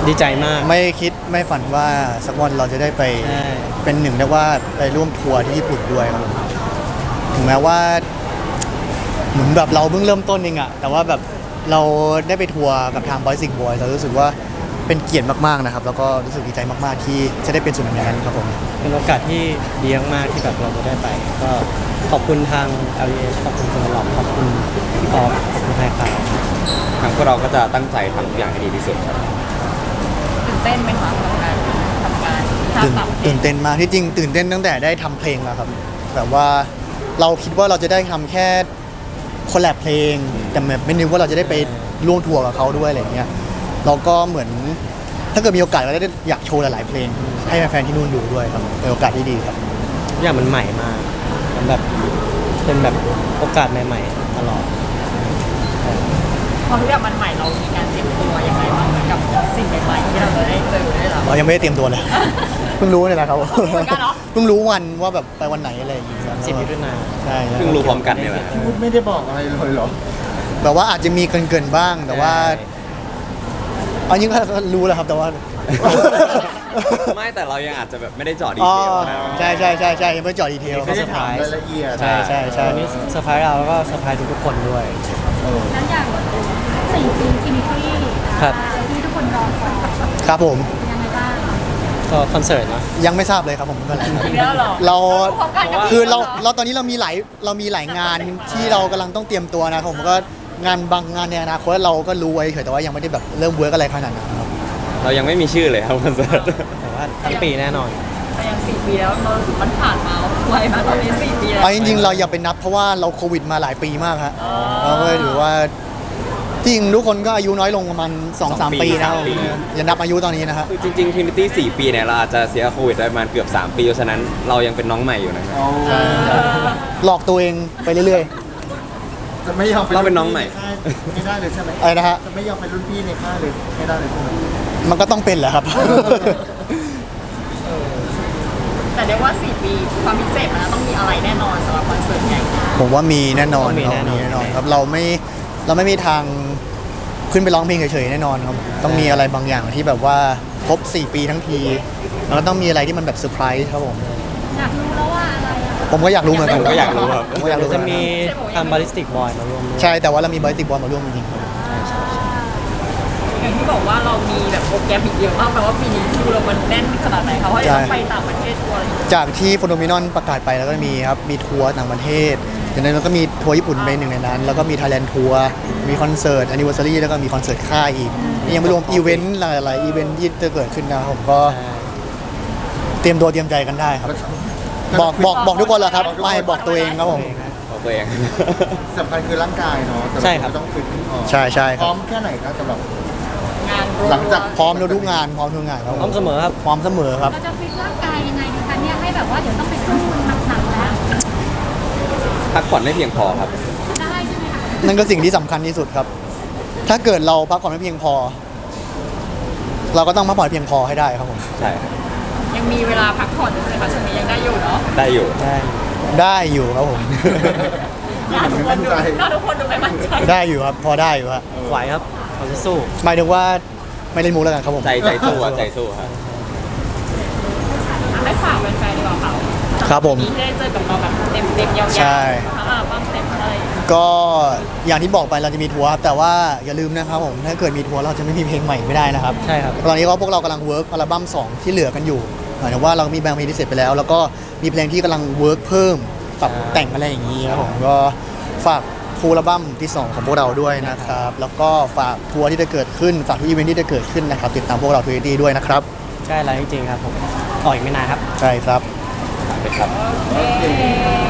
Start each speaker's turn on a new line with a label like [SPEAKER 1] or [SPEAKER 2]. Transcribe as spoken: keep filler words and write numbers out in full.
[SPEAKER 1] ดีใจมาก
[SPEAKER 2] ไม่คิดไม่ฝันว่าสักวันเราจะได้ไปเป็นหนึ่งได้ว่าไปร่วมทัวร์ที่ญี่ปุ่นด้วยครับถึงแม้ว่าเหมือนแบบเราเพิ่งเริ่มต้นเองอะแต่ว่าแบบเราได้ไปทัวร์กับทางบอยสิงห์บอยเรารู้สึกว่าเป็นเกียรติมากๆนะครับแล้วก็รู้สึกดีใจมากๆที่จะได้เป็นส่วนหนึ่งในนั้นครับผม
[SPEAKER 1] เป็นโอกาสที่ดีมากๆที่แบบเราจะได้ไปก็ขอบคุณทาง แอล อี เอช ขอบคุณคุณหลอกขอบคุณพี่ออฟขอบคุณไทยข่าว
[SPEAKER 3] ทางพวกเราก็จะตั้งใจทำทุกอย่างให้ดีที่สุดครับ
[SPEAKER 4] ตื่นเต้นไหมคะกับการทำงาน
[SPEAKER 2] ตื่นตื่นเต้นมากที่จริงตื่นเต้นตั้งแต่ได้ทำเพลงแล้วครับแบบว่าเราคิดว่าเราจะได้ทำแค่คอลแลบเพลงแต่แบบไม่นึกว่าเราจะได้ไปร่วมทัวร์กับเขาด้วยอะไรเงี้ยเราก็เหมือนถ้าเกิดมีโอกาสเราได้อยากโชว์หลายๆเพลงให้แฟนๆที่นู่นดูด้วยครับเป็นโอกาสที่ดีครับ
[SPEAKER 1] ทุกอย่างมันใหม่มากมันแบบเป็นแบบโอกาสใหม่ๆตลอด
[SPEAKER 4] พอทุกอย่างมันใหม่เรามีการเตรียมตัวยังไงบ้างกับสิ่งใหม่ๆที่เราจะได้เจอได้หรอ
[SPEAKER 2] เรายังไม่ได้เตรียมตัวเลยเพิ่งรู้เนี่ยนะครับเพิ่งรู้วันว่าแบบไปวันไหนอะไรอย่างเงี้ย
[SPEAKER 1] สิบมิถุนายน
[SPEAKER 2] ใช่
[SPEAKER 3] เพิ่งรู้พร้อมกันเนี่ยแหละ
[SPEAKER 5] พูดไม่ได้บอกอะไรเลยเหรอ
[SPEAKER 2] แบบว่าอาจจะมีเกินๆบ้างแต่ว่าอันนี้ก็รู้แล้วครับแต่ว่า
[SPEAKER 3] ไม่แต่เรายังอาจจะแบบไม่ได้เจาะดีเทลนะ
[SPEAKER 2] ใช่ใช่ใช่ใช่ยังไม่เจาะดีเทล
[SPEAKER 5] ไม่ได้ถามรายละเอียด
[SPEAKER 2] ใช่ใช่ใช่
[SPEAKER 1] วันนี้เซอร์ไพรส์เราแล้วก็เซอร์ไพรส์ทุกคนด้วย
[SPEAKER 6] นั้นอย่างสี่ปีจิมที่ที่ทุกคนรอคอย
[SPEAKER 2] ครับผม
[SPEAKER 6] ยังไงบ้าง
[SPEAKER 1] ก็คอนเสิร์ตนะ
[SPEAKER 2] ยังไม่ทราบเลยครับผมเมื่อไหร่เราคือเราเราตอนนี้เรามีหลายเรามีหลายงานที่เรากำลังต้องเตรียมตัวนะผมก็งานบางงานในอนาคตเราก็รู้ไว้เฉยแต่ว่ายังไม่ได้แบบเริ่มเวิร์กอะไรขนาดนั้นครับ
[SPEAKER 3] เรายังไม่มีชื่อเลยครับคอนเสิร์ต
[SPEAKER 1] แต่ว่าทั้งปีแน่นอน
[SPEAKER 4] แต่ยังสี่ปีแล้วเราสึกมันผ่านมาไวมากตอนนี้สี่ปีแล้ว
[SPEAKER 2] จริงๆเราอย่าไปนับเพราะว่าเราโควิดมาหลายปีมากครับเราก็ถือว่าจริงทุกคนก็อายุน้อยลงประมาณ สองถึงสาม ปีนะอย่านับอายุตอนนี้นะครับ
[SPEAKER 3] คือจริงๆ Trinity สี่ปีเนี่ยเราอาจจะเสียโควิดไปประมาณเกือบสามปีเพราะฉะนั้นเรายังเป็นน้องใหม่อยู่นะครับ
[SPEAKER 2] หลอกตัวเองไปเรื่อย
[SPEAKER 5] ๆจะไม่ยอม
[SPEAKER 3] เราเป็นน้องใหม่
[SPEAKER 5] ไม่ได้เลยใช่ไหม
[SPEAKER 2] อะไรนะฮะ
[SPEAKER 5] จะไม่ยอมเป็นรุ่นพี่ในค่ายเลยไม่ได้เลยใช่ไหม
[SPEAKER 2] มันก็ต้องเป็นแหละครับ
[SPEAKER 4] แต่เรียกว่าสี่ปีความพิเศษมันต้องมีอะไรแน่นอนสำหรับคอนเสิร์ตใหญ่
[SPEAKER 2] ผมว่ามีแน่นอนมีแน่นอนครับเราไม่เราไม่มีทางขึ้นไปร้องเพลงเฉยๆแน่นอนครับต้องมีอะไรบางอย่างที่แบบว่าครบสี่ปีทั้งทีแล้วต้องมีอะไรที่มันแบบเซอร์ไพรส์ครับผม
[SPEAKER 6] อยากรู้แล้วว่าอะไร
[SPEAKER 2] ผมก็อยากรู้เหมือนกัน
[SPEAKER 3] ผมก็อยากรู้ครับ
[SPEAKER 2] ผมก็อยากรู้
[SPEAKER 1] จะมีทำบาริสติกบอยมาร่วม
[SPEAKER 2] ใช่แต่ว่าเรามีบาริสติกบอยมาร่วมจริงๆครับ
[SPEAKER 4] อย่างที่บอกว่าเรามีแบบโปรแกรมอีกเยอะมากแปลว่าปีนี้คิวเรามันแน่นขนาดไหนคะเพราะเราไปต่างประเทศทัวร์
[SPEAKER 2] จากที่โฟโนมินอนประกาศไปแล้วก็มีครับมีทัวร์ต่างประเทศอย่างนั้นเราก็มีทัวร์ญี่ปุ่นเป็นหนึ่งในนั้นแล้วก็มีไทยแลนด์ทัวร์มีคอนเสิร์ตแอนนิเวอร์ซารีแล้วก็มีคอนเสิร์ตค่ายอีกยังไม่รวมอีเวนต์หลายๆอีเวนต์ที่จะเกิดขึ้นนะผมก็เตรียมตัวเตรียมใจกันได้ครับบอกบอกบอกทุกคนแหละครับไม่บอกตัวเองครับผม
[SPEAKER 3] บอกตัวเอง
[SPEAKER 5] สำคัญคือร่างกายเนาะ
[SPEAKER 1] ใช่ครับ
[SPEAKER 5] ต้องฝึกขึ้นพอ
[SPEAKER 2] ใช่ใช่
[SPEAKER 5] พร้อมแค่ไหนครับสำหรับ
[SPEAKER 4] งาน
[SPEAKER 5] หลังจาก
[SPEAKER 2] พร้อมทุกงานพร้อมทุกงานครับ
[SPEAKER 1] พร้อมเสมอครับ
[SPEAKER 2] พร้อมเสมอครับ
[SPEAKER 6] เราจะฟิตร่างกายยังไงดีคะเนี่ยให้แบบว่าเดี๋ยวต้องไปสู้หนักๆแล้ว
[SPEAKER 3] พักผ่อนไม่เพียงพอครับ
[SPEAKER 6] ได้ใช่ไหมคะ
[SPEAKER 2] นั่นก็สิ่งที่สำคัญที่สุดครับถ้าเกิดเราพักผ่อนไม่เพียงพอเราก็ต้องพักผ่อนเพียงพอให้ได้ครับผม
[SPEAKER 3] ใช่
[SPEAKER 4] ยังมีเวลาพักผ่อนอยู่เลยค่ะช่วงนี้ยังได้อยู่เนาะ
[SPEAKER 3] ได้อยู่
[SPEAKER 2] ได้ได้อยู่ครับผม
[SPEAKER 4] น่าทุกคนดูน่าทุกคนดูไม่มั่นใจ
[SPEAKER 2] ได้อยู่ครับพอได้อยู่ครับ
[SPEAKER 1] ไหวครับเราจะสู้
[SPEAKER 2] หมายถึงว่าไม่เล่นมุกแล้วกันครับผม
[SPEAKER 3] ใจใจสู้ใจสู้ครับ
[SPEAKER 4] ให้ฝากแฟนๆดีกว่าค่ะ
[SPEAKER 2] ครับผม
[SPEAKER 4] ที่ได้เจอกับเราแบบเต็มเต็มยาวๆใช่บ้างเต็มอะไร
[SPEAKER 2] ก็อย่างที่บอกไปเราจะมีทัวร์แต่ว่าอย่าลืมนะครับผมถ้าเกิดมีทัวร์เราจะไม่มีเพลงใหม่ไม่ได้นะครับ
[SPEAKER 1] ใช่ครับ
[SPEAKER 2] ตอนนี้ก็พวกเรากำลังเวิร์กอัลบั้มสองที่เหลือกันอยู่หมายถึงว่าเรามีบางเพลงที่เสร็จไปแล้วแล้วก็มีเพลงที่กำลังเวิร์กเพิ่มปรับแต่งอะไรอย่างนี้ครับผมก็ฝากฟูลอัลบั้มที่สองของพวกเราด้วยนะครับแล้วก็ฝากทัวร์ที่จะเกิดขึ้นฝากทุกอีเวนท์ที่จะเกิดขึ้นนะครับติดตามพวกเราทวิตตี้ด้วยนะครับ
[SPEAKER 1] ใกล้แล้วจริงๆครับผมออกอีกไม่นานครับ
[SPEAKER 2] ใช่ครับ
[SPEAKER 3] ไปครับ